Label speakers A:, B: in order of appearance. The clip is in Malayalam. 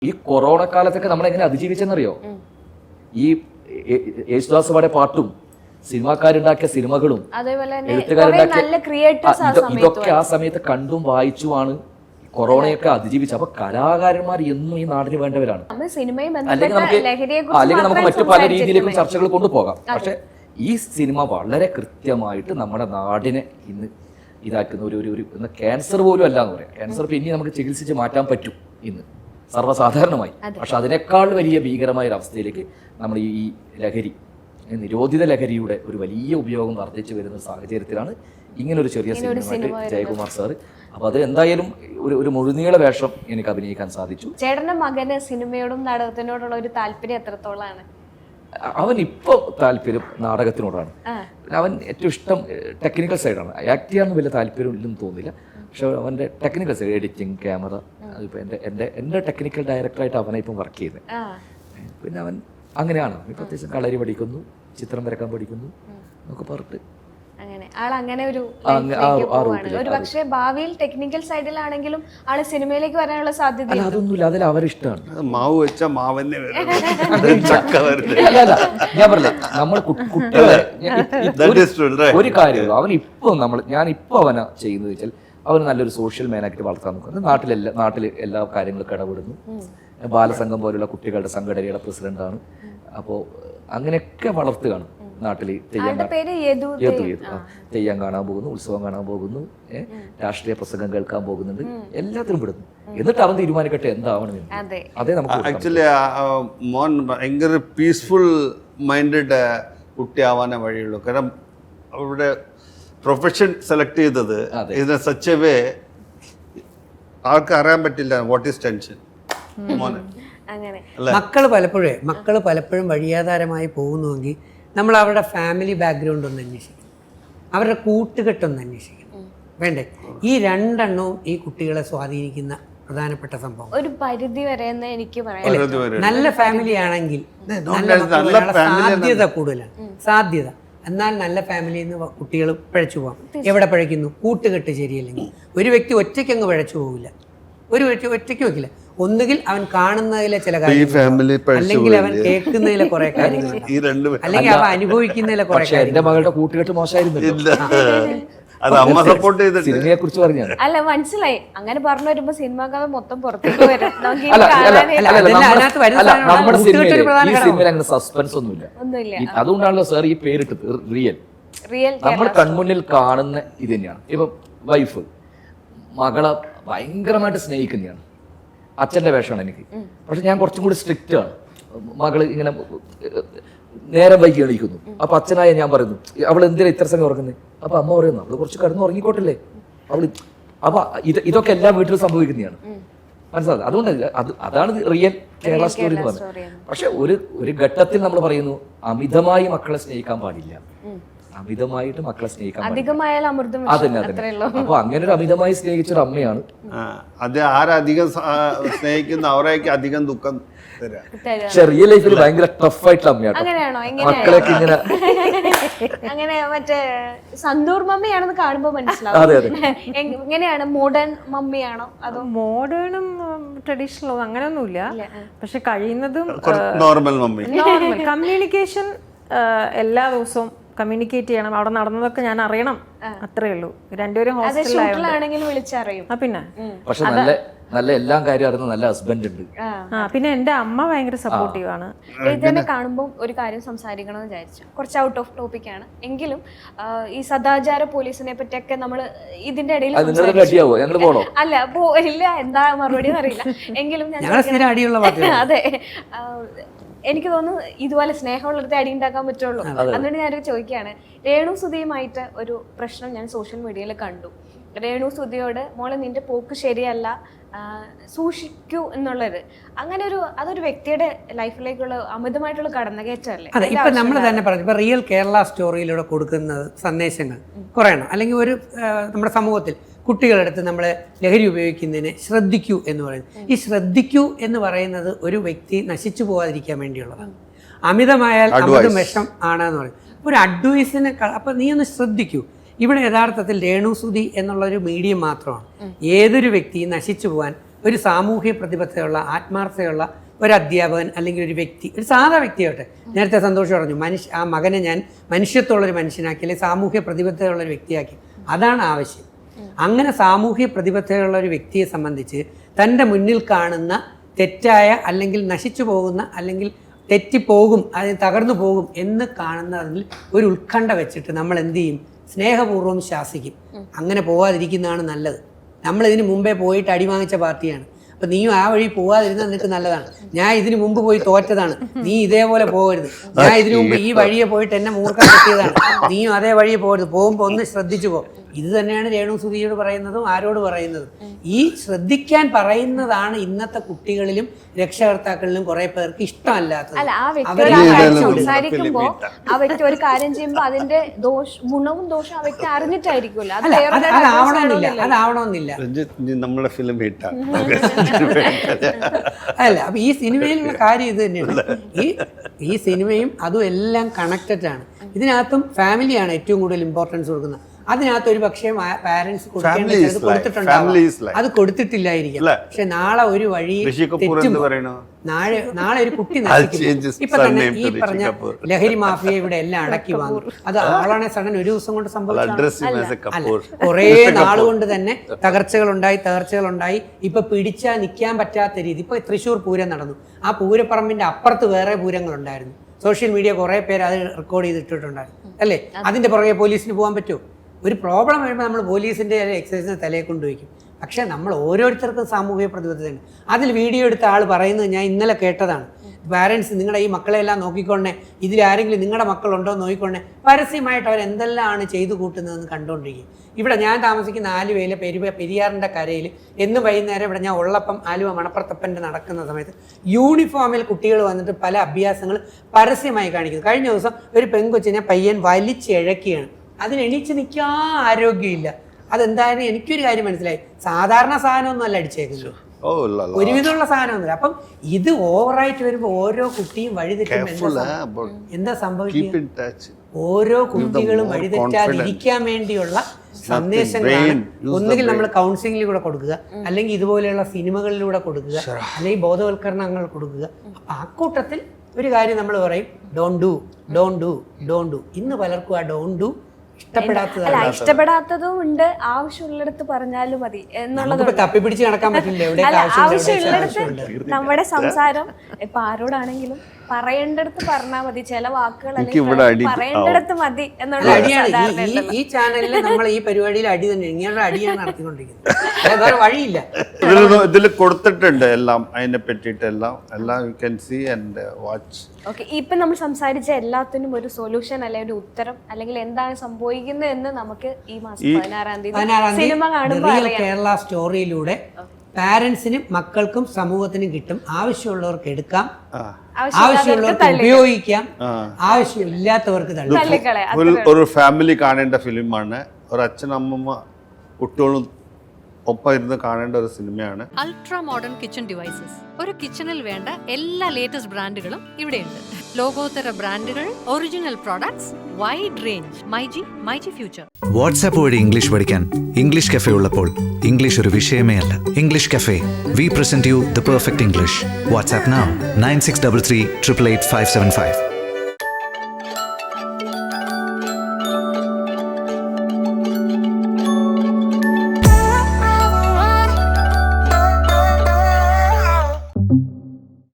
A: ഈ കൊറോണ കാലത്തൊക്കെ നമ്മൾ എങ്ങനെ അതിജീവിച്ചെന്നറിയോ? ഈ യേശുദാസ് പാടിയ പാട്ടും സിനിമാക്കാരുണ്ടാക്കിയ സിനിമകളും എഴുത്തുകാരുണ്ടാക്കിയ ഇതൊക്കെ ആ സമയത്ത് കണ്ടും വായിച്ചുമാണ് കൊറോണയൊക്കെ അതിജീവിച്ചത്. അപ്പൊ കലാകാരന്മാർ എന്നും ഈ നാടിന് വേണ്ടവരാണ്. അല്ലെങ്കിൽ നമുക്ക് മറ്റു പല രീതിയിലേക്കും ചർച്ചകൾ കൊണ്ടുപോകാം. പക്ഷെ ഈ സിനിമ വളരെ കൃത്യമായിട്ട് നമ്മുടെ നാടിനെ ഇന്ന് ഇതാക്കുന്ന ഒരു ക്യാൻസർ പോലും അല്ല എന്ന് പറയാം. ക്യാൻസർ പിന്നെ നമുക്ക് ചികിത്സിച്ച് മാറ്റാൻ പറ്റും ഇന്ന് സർവ്വസാധാരണമായി. പക്ഷെ അതിനേക്കാൾ വലിയ ഭീകരമായ ഒരു അവസ്ഥയിലേക്ക് നമ്മൾ ഈ ലഹരി, നിരോധിത ലഹരിയുടെ ഒരു വലിയ ഉപയോഗം വർദ്ധിച്ചു വരുന്ന സാഹചര്യത്തിലാണ് ഇങ്ങനൊരു ചെറിയ സിനിമയായിട്ട് ജയകുമാർ സാറ്. അപ്പൊ അത് എന്തായാലും ഒരു മുഴുനീള വേഷം എനിക്ക് അഭിനയിക്കാൻ സാധിച്ചു.
B: ചേട്ടന്റെ മകന് സിനിമയോടും നാടകത്തിനോടുള്ള ഒരു താല്പര്യം എത്രത്തോളാണ്?
A: അവൻ ഇപ്പോൾ താല്പര്യം നാടകത്തിനോടാണ്. അവൻ ഏറ്റവും ഇഷ്ടം ടെക്നിക്കൽ സൈഡാണ്. ആക്ട് ചെയ്യാനൊന്നും വലിയ താല്പര്യം ഇല്ലെന്ന് തോന്നില്ല. പക്ഷെ അവൻ്റെ ടെക്നിക്കൽ സൈഡ്, എഡിറ്റിംഗ്, ക്യാമറ, അതിപ്പോൾ എൻ്റെ ടെക്നിക്കൽ ഡയറക്ടറായിട്ട് അവനെ ഇപ്പം വർക്ക് ചെയ്യുന്നത്. പിന്നെ അവൻ അങ്ങനെയാണ്. ഇപ്പം അത്യാവശ്യം കളരി പഠിക്കുന്നു, ചിത്രം വരക്കാൻ പഠിക്കുന്നു എന്നൊക്കെ പറഞ്ഞിട്ട്
B: ഒരു പക്ഷേ ഭാവിയിൽ ടെക്നിക്കൽ സൈഡിലാണെങ്കിലും ആള് സിനിമയിലേക്ക് വരാനുള്ള സാധ്യത
A: അതൊന്നുമില്ല. അതിൽ അവരിഷ്ടമാണ്.
C: മാവ് വെച്ച മാവന്നെ
A: ഞാൻ പറഞ്ഞില്ല, നമ്മൾ കുട്ടികളെ ഒരു കാര്യമുള്ളൂ. അവൻ ഇപ്പൊ ഞാൻ ഇപ്പൊ അവനെ ചെയ്യുന്നത് വെച്ചാൽ അവന് നല്ലൊരു സോഷ്യൽ മാനായിട്ട് വളർത്താൻ നോക്കുന്നത്. നാട്ടിൽ എല്ലാ കാര്യങ്ങളും ഇടപെടുന്നു. ബാലസംഘം പോലുള്ള കുട്ടികളുടെ സംഘടനയുടെ പ്രസിഡന്റാണ്. അപ്പോൾ അങ്ങനെയൊക്കെ വളർത്തുകയാണ്. നാട്ടിൽ തെയ്യം കാണാൻ പോകുന്നു, ഉത്സവം കാണാൻ പോകുന്നു, രാഷ്ട്രീയ പ്രസംഗം കേൾക്കാൻ പോകുന്നുണ്ട്, എല്ലാത്തിനും വിടുന്നു. എന്നിട്ട് അവൻ തീരുമാനിക്കട്ടെ എന്താവണം. അതേ നമുക്ക്
C: ആക്ച്വലി മോൻ ഭയങ്കര പീസ്ഫുൾ മൈൻഡഡ് കുട്ടിയാവാനേ വഴിയുള്ളൂ. കാരണം അവരുടെ പ്രൊഫഷൻ സെലക്ട് ചെയ്തത് ഇതിനെ സച്ച് എ വേ ആൾക്ക് അറിയാൻ പറ്റില്ല വാട്ട് ഈസ് ടെൻഷൻ.
D: മക്കള് പലപ്പോഴും വഴിയാധാരമായി പോകുന്നുവെങ്കിൽ നമ്മൾ അവരുടെ ഫാമിലി ബാക്ക്ഗ്രൗണ്ട് ഒന്ന് അന്വേഷിക്കണം, അവരുടെ കൂട്ടുകെട്ടൊന്ന് അന്വേഷിക്കണം. വേണ്ടേ? ഈ രണ്ടെണ്ണവും ഈ കുട്ടികളെ സ്വാധീനിക്കുന്ന പ്രധാനപ്പെട്ട സംഭവം.
B: ഒരു പരിധി വരെ എനിക്ക് പറയാം.
D: നല്ല ഫാമിലി ആണെങ്കിൽ സാധ്യത കൂടുതലാണ്. സാധ്യത. എന്നാൽ നല്ല ഫാമിലിയിൽ നിന്ന് കുട്ടികൾ പിഴച്ചു പോകാം. എവിടെ പിഴയ്ക്കുന്നു? കൂട്ടുകെട്ട് ശരിയല്ലെങ്കിൽ. ഒരു വ്യക്തി ഒറ്റയ്ക്ക് അങ്ങ് പിഴച്ചു പോകില്ല. ഒരു വ്യക്തി ഒറ്റയ്ക്ക് വെക്കില്ല. ഒന്നുകിൽ അവൻ കാണുന്നതിലെ ചില കാര്യങ്ങൾ, അല്ലെങ്കിൽ അവൻ കേൾക്കുന്നതിലെ കുറെ കാര്യങ്ങൾ, അല്ലെങ്കിൽ അവൻ അനുഭവിക്കുന്നതിലെ കുറെ കാര്യങ്ങൾ.
A: എന്റെ മകളുടെ കൂട്ടുകെട്ട് മോശമായിരുന്നില്ല. സിനിമയെ കുറിച്ച് പറഞ്ഞു
B: അല്ല, മനസ്സിലായി. അങ്ങനെ പറഞ്ഞു വരുമ്പോ സിനിമ മൊത്തം പുറത്തേക്ക് വരും.
A: നമ്മുടെ സിനിമയിൽ അങ്ങനെ സസ്പെൻസ് ഒന്നുമില്ല. അതുകൊണ്ടാണല്ലോ സാർ ഈ പേരിട്ടത് റിയൽ. നമ്മൾ കൺമുന്നിൽ കാണുന്ന ഇത് തന്നെയാണ്. ഇപ്പൊ വൈഫ് മകളെ ഭയങ്കരമായിട്ട് സ്നേഹിക്കുന്നതാണ്. അച്ഛൻ്റെ വേഷമാണ് എനിക്ക്. പക്ഷെ ഞാൻ കുറച്ചും കൂടി സ്ട്രിക്റ്റ് ആണ്. മകള് ഇങ്ങനെ നേരം വൈകി എണീക്കുന്നു. അപ്പൊ അച്ഛനായ ഞാൻ പറയുന്നു, അവൾ എന്തിനാ ഇത്ര സമയം ഉറങ്ങുന്നത്? അപ്പൊ അമ്മ പറയുന്നു, അവള് കുറച്ച് കിടന്ന് ഉറങ്ങിക്കോട്ടില്ലേ അവള്. അപ്പൊ ഇതൊക്കെ എല്ലാ വീട്ടിലും സംഭവിക്കുന്നതാണ്. മനസ്സിലായത്? അതുകൊണ്ട് അതാണ് റിയൽ കേരള സ്റ്റോറി എന്ന് പറഞ്ഞത്. പക്ഷെ ഒരു ഘട്ടത്തിൽ നമ്മൾ പറയുന്നു, അമിതമായി മക്കളെ സ്നേഹിക്കാൻ പാടില്ല. അമിതമായിട്ട് മക്കളെ സ്നേഹിക്കാൻ അപ്പൊ അങ്ങനെ ഒരു അമിതമായി സ്നേഹിച്ചൊരു അമ്മയാണ്.
C: അത് ആരധികം സ്നേഹിക്കുന്ന അവരേക്ക് അധികം ദുഃഖം.
A: പക്ഷെ റിയൽ ലൈഫിൽ ഭയങ്കര ടഫ് ആയിട്ടുള്ള അമ്മയാണ്. മക്കളൊക്കെ ഇങ്ങനെ
B: അങ്ങനെ മറ്റേ സന്തൂർ മമ്മിയാണെന്ന് കാണുമ്പോ മനസ്സിലാവും. എങ്ങനെയാണ്? മോഡേൺ മമ്മിയാണോ അതോ
E: മോഡേണും ട്രഡീഷണലും അങ്ങനെയൊന്നുമില്ല. പക്ഷെ കഴിയുന്നതും
C: നോർമൽ മമ്മി.
E: കമ്മ്യൂണിക്കേഷൻ എല്ലാ ദിവസവും കമ്മ്യൂണിക്കേറ്റ് ചെയ്യണം. അവിടെ നടന്നതൊക്കെ ഞാൻ അറിയണം, അത്രേ ഉള്ളൂ. രണ്ടുപേരും
B: ഹോസ്റ്റലിലാണെങ്കിലും വിളിച്ചറിയും.
E: പിന്നെ
A: പക്ഷെ നല്ല എല്ലാം കാര്യം അറിയുന്ന നല്ല ഹസ്ബൻഡ് ഉണ്ട്.
E: പിന്നെ എന്റെ അമ്മ ഭയങ്കര സപ്പോർട്ടീവ് ആണ്.
B: ഇതിനെ കാണുമ്പോൾ ഒരു കാര്യം സംസാരിക്കണമെന്ന് വിചാരിച്ചു. കുറച്ച് ഔട്ട് ഓഫ് ടോപ്പിക് ആണ് എങ്കിലും ഈ സദാചാര പോലീസിനെ പറ്റിയൊക്കെ നമ്മൾ ഇതിന്റെ ഇടയിൽ അല്ല ഇല്ല, എന്താ മറുപടി അറിയില്ല. എങ്കിലും ഞാൻ അതെ, എനിക്ക് തോന്നുന്നു ഇതുപോലെ സ്നേഹമുള്ളടത്ത് അടി ഉണ്ടാക്കാൻ പറ്റുള്ളൂ. അതുകൊണ്ട് ഞാനൊരു ചോദിക്കുകയാണ്, രേണു സുധിയുമായിട്ട് ഒരു പ്രശ്നം ഞാൻ സോഷ്യൽ മീഡിയയിൽ കണ്ടു. രേണു സുധിയോട് മോളെ നിന്റെ പോക്ക് ശരിയല്ല, സൂക്ഷിക്കൂ എന്നുള്ളത്. അങ്ങനെ അതൊരു വ്യക്തിയുടെ ലൈഫിലേക്കുള്ള അമിതമായിട്ടുള്ള കടന്നുകയറ്റമല്ലേ?
D: അതെ, ഇപ്പൊ നമ്മൾ തന്നെ പറഞ്ഞു, ഇപ്പൊ റിയൽ കേരള സ്റ്റോറിയിലൂടെ കൊടുക്കുന്ന സന്ദേശങ്ങൾ കുറയണം. അല്ലെങ്കിൽ ഒരു നമ്മുടെ സമൂഹത്തിൽ കുട്ടികളെടുത്ത് നമ്മൾ ലഹരി ഉപയോഗിക്കുന്നതിന് ശ്രദ്ധിക്കൂ എന്ന് പറയുന്നത്. ഈ ശ്രദ്ധിക്കൂ എന്ന് പറയുന്നത് ഒരു വ്യക്തി നശിച്ചു പോകാതിരിക്കാൻ വേണ്ടിയുള്ളതാണ്. അമിതമായാൽ അമിതം വിഷം ആണെന്ന് പറയും. ഒരു അഡ്വൈസിന് അപ്പം നീ ഒന്ന് ശ്രദ്ധിക്കൂ. ഇവിടെ യഥാർത്ഥത്തിൽ രേണു സുധി എന്നുള്ളൊരു മീഡിയം മാത്രമാണ് ഏതൊരു വ്യക്തിയും നശിച്ചു പോകാൻ ഒരു സാമൂഹ്യ പ്രതിബദ്ധതയുള്ള ആത്മാർത്ഥതയുള്ള ഒരു അധ്യാപകൻ അല്ലെങ്കിൽ ഒരു വ്യക്തി, ഒരു സാധാ വ്യക്തിയാവട്ടെ, നേരത്തെ സന്തോഷം പറഞ്ഞു, ആ മകനെ ഞാൻ മനുഷ്യത്വമുള്ളൊരു മനുഷ്യനാക്കി അല്ലെങ്കിൽ സാമൂഹ്യ പ്രതിബദ്ധതയുള്ളൊരു വ്യക്തിയാക്കി. അതാണ് ആവശ്യം. അങ്ങനെ സാമൂഹ്യ പ്രതിബദ്ധതയുള്ള ഒരു വ്യക്തിയെ സംബന്ധിച്ച് തൻ്റെ മുന്നിൽ കാണുന്ന തെറ്റായ അല്ലെങ്കിൽ നശിച്ചു പോകുന്ന അല്ലെങ്കിൽ തെറ്റിപ്പോകും, അത് തകർന്നു പോകും എന്ന് കാണുന്നതിൽ ഒരു ഉത്കണ്ഠ വെച്ചിട്ട് നമ്മൾ എന്ത് ചെയ്യും? സ്നേഹപൂർവ്വം ശാസിക്കും. അങ്ങനെ പോവാതിരിക്കുന്നതാണ് നല്ലത്. നമ്മളിതിന് മുമ്പേ പോയിട്ട് അടി വാങ്ങിച്ച പാർട്ടിയാണ്. അപ്പം നീയും ആ വഴി പോവാതിരുന്നാൽ നിനക്ക് നല്ലതാണ്. ഞാൻ ഇതിനു മുമ്പ് പോയി തോറ്റതാണ്, നീ ഇതേപോലെ പോകരുത്. ഞാൻ ഇതിനു മുമ്പ് ഈ വഴിയെ പോയിട്ട് എന്നെ മൂർഖം കിട്ടിയതാണ്, നീയും അതേ വഴിയെ പോകരുത്. പോകുമ്പോൾ ഒന്ന് ശ്രദ്ധിച്ചു പോ. ഇത് തന്നെയാണ് രേണു സുധിയോട് പറയുന്നതും ആരോട് പറയുന്നതും. ഈ ശ്രദ്ധിക്കാൻ പറയുന്നതാണ് ഇന്നത്തെ കുട്ടികളിലും രക്ഷകർത്താക്കളിലും കുറെ പേർക്ക് ഇഷ്ടമല്ലാത്തത്.
B: അല്ല, ആ വ്യക്തി സംസാരിക്കുമ്പോ ആ വ്യക്തി ഒരു കാര്യം ചെയ്യുമ്പോ അതിന്റെ ഗുണവും ദോഷവും ആ വ്യക്തി അറിഞ്ഞിട്ടായിരിക്കുമല്ലോ.
D: അതാവണമെന്നില്ല.
C: നമ്മളെ ഫിലിം
D: അല്ല, അപ്പൊ ഈ സിനിമയിലുള്ള കാര്യം ഇത് തന്നെയാണ്. ഈ സിനിമയും അതും എല്ലാം കണക്റ്റഡ് ആണ്. ഇതിനകത്തും ഫാമിലിയാണ് ഏറ്റവും കൂടുതൽ ഇമ്പോർട്ടൻസ് കൊടുക്കുന്നത്. അതിനകത്ത് ഒരു പക്ഷേ പാരന്റ്സ് കൊടുത്തിട്ടുണ്ടാവും, അത് കൊടുത്തിട്ടില്ലായിരിക്കും. പക്ഷെ നാളെ ഒരു വഴി നാളെ ഒരു കുട്ടി നശിക്കും. ഇപ്പൊ തന്നെ ഈ പറഞ്ഞ ലഹരി മാഫിയ ഇവിടെ എല്ലാം അടക്കി വാങ്ങി. അത് ആളാണെ സഡൻ ഒരു ദിവസം കൊണ്ട് സംഭവിച്ചല്ല. കുറേ നാളുകൊണ്ട് തന്നെ തകർച്ചകളുണ്ടായി. ഇപ്പൊ പിടിച്ചാൽ നിൽക്കാൻ പറ്റാത്ത രീതി. ഇപ്പൊ തൃശ്ശൂർ പൂരം നടന്നു. ആ പൂരപ്പറമ്പിന്റെ അപ്പുറത്ത് വേറെ പൂരങ്ങളുണ്ടായിരുന്നു. സോഷ്യൽ മീഡിയ കുറെ പേര് അത് റെക്കോർഡ് ചെയ്തിട്ടുണ്ടായിരുന്നു അല്ലേ? അതിന്റെ പുറകെ പോലീസിന് പോകാൻ പറ്റുമോ? ഒരു പ്രോബ്ലം വരുമ്പോൾ നമ്മൾ പോലീസിൻ്റെ എക്സൈസിനെ തലയെ കൊണ്ടുവയ്ക്കും. പക്ഷേ നമ്മൾ ഓരോരുത്തർക്കും സാമൂഹിക പ്രതിബദ്ധതയുണ്ട്. അതിൽ വീഡിയോ എടുത്ത ആൾ പറയുന്നത് ഞാൻ ഇന്നലെ കേട്ടതാണ്. പാരൻസ് നിങ്ങളുടെ ഈ മക്കളെല്ലാം നോക്കിക്കൊണ്ടേ, ഇതിലാരെങ്കിലും നിങ്ങളുടെ മക്കളുണ്ടോ എന്ന് നോക്കിക്കൊണ്ടേ. പരസ്യമായിട്ട് അവർ എന്തെല്ലാമാണ് ചെയ്തു കൂട്ടുന്നതെന്ന് കണ്ടുകൊണ്ടിരിക്കും. ഇവിടെ ഞാൻ താമസിക്കുന്ന ആലുവയിലെ പെരിയാറിൻ്റെ കരയിൽ എന്നും വൈകുന്നേരം ഇവിടെ ഞാൻ ഉള്ളപ്പം ആലുവ മണപ്പുറത്തപ്പൻ്റെ നടക്കുന്ന സമയത്ത് യൂണിഫോമിൽ കുട്ടികൾ വന്നിട്ട് പല അഭ്യാസങ്ങൾ പരസ്യമായി കാണിക്കുന്നു. കഴിഞ്ഞ ദിവസം ഒരു പെൺകൊച്ചിനെ പയ്യൻ വലിച്ചിഴക്കുകയാണ്. അതിന് എണീച്ച് നിൽക്കാൻ ആരോഗ്യമില്ല. അതെന്തായാലും എനിക്കൊരു കാര്യം മനസ്സിലായി, സാധാരണ സാധനമൊന്നും അല്ല അടിച്ചേക്കുന്നത്, ഒരുവിധമുള്ള സാധനമൊന്നുമില്ല. അപ്പം ഇത് ഓവറായിട്ട് വരുമ്പോൾ ഓരോ കുട്ടിയും വഴിതെറ്റുമ്പോൾ എന്താ സംഭവിക്കുക? ഓരോ കുട്ടികളും വഴിതെറ്റാതിരിക്കാൻ വേണ്ടിയുള്ള സന്ദേശങ്ങളാണ് ഒന്നുകിൽ നമ്മൾ കൗൺസിലിംഗിൽ കൂടെ കൊടുക്കുക, അല്ലെങ്കിൽ ഇതുപോലെയുള്ള സിനിമകളിലൂടെ കൊടുക്കുക, അല്ലെങ്കിൽ ബോധവൽക്കരണങ്ങൾ കൊടുക്കുക. അപ്പം ആ കൂട്ടത്തിൽ ഒരു കാര്യം നമ്മൾ പറയും, ഡോണ്ട് ഡു. ഇന്ന് പലർക്കും ആ ഡോണ്ട് ഡു
B: ഇഷ്ടപ്പെടാത്തതും ഉണ്ട്. ആവശ്യമുള്ളിടത്ത് പറഞ്ഞാലും മതി എന്നുള്ളത്.
D: തപ്പിപ്പിടിച്ച് നടക്കാൻ പറ്റില്ല.
B: ആവശ്യമുള്ളിടത്ത് നമ്മുടെ സംസാരം ഇപ്പൊ ആരോടാണെങ്കിലും പറയേണ്ടടുത്ത് പറഞ്ഞാൽ മതി. ചില വാക്കുകൾ പറയേണ്ടടുത്ത് മതി എന്നുള്ള.
D: ഈ ചാനലിൽ നമ്മൾ ഈ പരിപാടിയിൽ അടി തന്നെ ഇങ്ങനെയുള്ള അടിയാണ് നടത്തിക്കൊണ്ടിരിക്കുന്നത്. വേറെ വഴിയില്ല.
C: ഇതിൽ കൊടുത്തിട്ടുണ്ട് എല്ലാം, അതിനെ പറ്റിയിട്ട് എല്ലാം you can see and watch.
B: Okay, ഇപ്പൊ നമ്മൾ സംസാരിച്ച എല്ലാത്തിനും ഒരു സൊല്യൂഷൻ അല്ലെങ്കിൽ ഒരു ഉത്തരം അല്ലെങ്കിൽ എന്താണ് സംഭവിക്കുന്നത് എന്ന് നമുക്ക് ഈ മാസം 16-ാം തീയതി സിനിമ കാണുമ്പോൾ
D: കേരള സ്റ്റോറിയിലൂടെ പാരന്റ്സിനും മക്കൾക്കും സമൂഹത്തിനും കിട്ടും. ആവശ്യമുള്ളവർക്ക് എടുക്കാം, ആവശ്യമുള്ളവർക്ക് ഉപയോഗിക്കാം, ആവശ്യമില്ലാത്തവർക്ക് തള്ളിക്കളയാം.
C: ഒരു ഫാമിലി കാണേണ്ട ഫിലിമാണ്. ഒരു അച്ഛനമ്മ കുട്ടികളും ഒപ്പം ഇരുന്ന് കാണേണ്ട ഒരു സിനിമയാണ്.
F: Ultra modern kitchen devices. ഒരു കിച്ചണിൽ വേണ്ട എല്ലാ ലേറ്റസ്റ്റ് ബ്രാൻഡുകളും ഇവിടെയുണ്ട്. ലോകോത്തര ബ്രാൻഡുകൾ, original products, wide range. MyG future.
G: WhatsApp വഴി ഇംഗ്ലീഷ് പഠിക്കാൻ ഇംഗ്ലീഷ് കഫേ ഉള്ളപ്പോൾ ഇംഗ്ലീഷ് ഒരു വിഷയമേ അല്ല. English cafe, we present you the perfect English. WhatsApp now 9633 888 575.